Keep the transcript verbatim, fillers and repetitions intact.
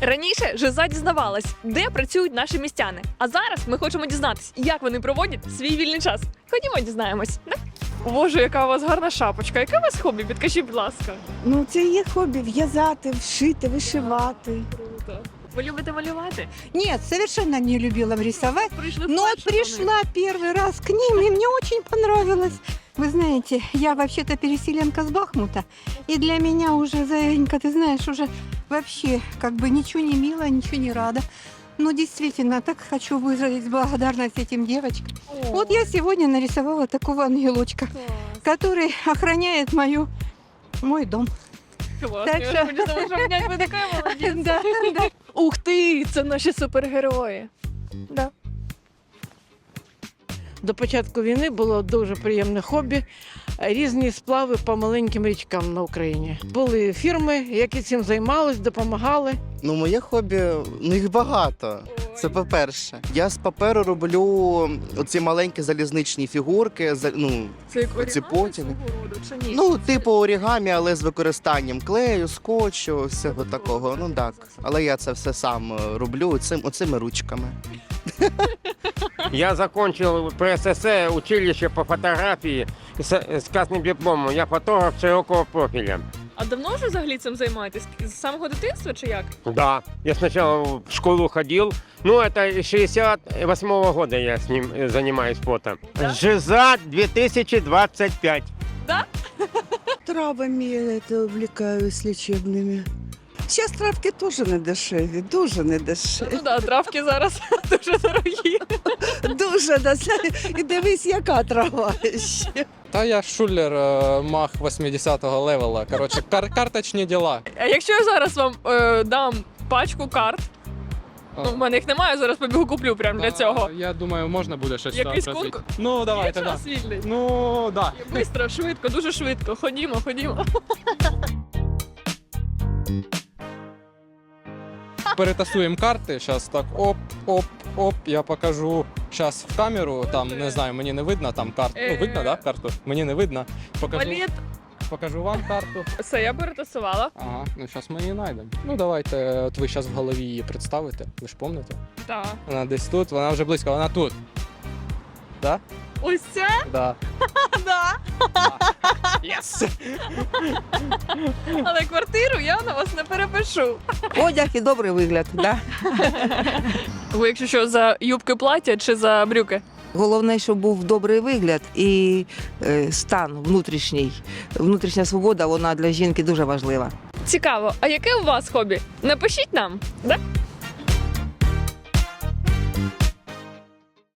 Раніше Жиза дізнавалась, де працюють наші містяни. А зараз ми хочемо дізнатися, як вони проводять свій вільний час. Ходімо, дізнаємось. Да? Боже, яка у вас гарна шапочка. Яке у вас хобі? Підкажіть, будь ласка. Ну, це є хобі в'язати, вшити, вишивати. Круто. Ви любите малювати? Нет, совершенно не любила рисовать. Прийшли Но вперше до них. пришла первый раз к ним, и мне очень понравилось. Вы знаете, я вообще-то переселенка с Бахмута, и для меня уже, Заинька, ты знаешь, уже вообще как бы ничего не мило, ничего не рада. Но действительно, так хочу выразить благодарность этим девочкам. О, Вот я сегодня нарисовала такого ангелочка, клас. который охраняет мою, мой дом. Клас. Так Я що- вже хотіла вам обняти, ви така молодець. Да, да. Ух ти, це наші супергерої. Да. До початку війни було дуже приємне хобі. Різні сплави по маленьким річкам на Україні. Були фірми, які цим займались, допомагали. Ну, моє хобі, ну їх багато. Це по-перше. Я з паперу роблю оці маленькі залізничні фігурки, за- ну, Це як Оці орігамі потяги. свого роду, чи ні? ну, типу орігамі, але з використанням клею, скотчу, всього такого. Ну так. Але я це все сам е, роблю цим, оцими ручками. Я закончил ПСС училище по фотографии с, с красным дипломом. Я фотограф широкого профиля. А давно вже взагалі цим займаєтесь? З самого дитинства чи як? Да, я сначала в школу ходил. Ну, это с шестьдесят восьмого года я с ним э, занимаюсь фото. Да? Жиза две тысячи двадцать пять. Травами я это увлекаюсь лечебными. Сейчас травки тоже не дешеві, дуже не дешеві. Ну да, травки зараз дуже дорогі. Дуже дешеві. І дивись, яка трава ще. Та я шулер е, мах восьмидесятого левела. Коротше, кар- карточні діла. А якщо я зараз вам е, дам пачку карт, ну в мене їх немає, зараз побігу куплю прямо для Та, цього. Я думаю, можна буде щось Якийсь там розвити. конкурс? Ну, Є давайте, да. час вільний? Ну, да. Бистро, швидко, дуже швидко. Ходімо, ходімо. Перетасуємо карти. Зараз так оп, оп, оп. Я покажу зараз в камеру. Там, не знаю, мені не видно там карту. Ну, видно, да, карту? Мені не видно. Покажу, Валет. покажу вам карту. Все, я перетасувала. Ага, ну зараз ми її знайдемо. Ну, давайте, от ви зараз в голові її представите. Ви ж пам'ятаєте? Так. Вона десь тут, вона вже близько, вона тут. Да? Ось це? Да. Да. Yes! Але квартиру я на вас не перепишу. Одяг і добрий вигляд, да? Ви якщо що, за юбки плаття чи за брюки? Головне, щоб був добрий вигляд і е, стан внутрішній. Внутрішня свобода, вона для жінки дуже важлива. Цікаво, а яке у вас хобі? Напишіть нам, да?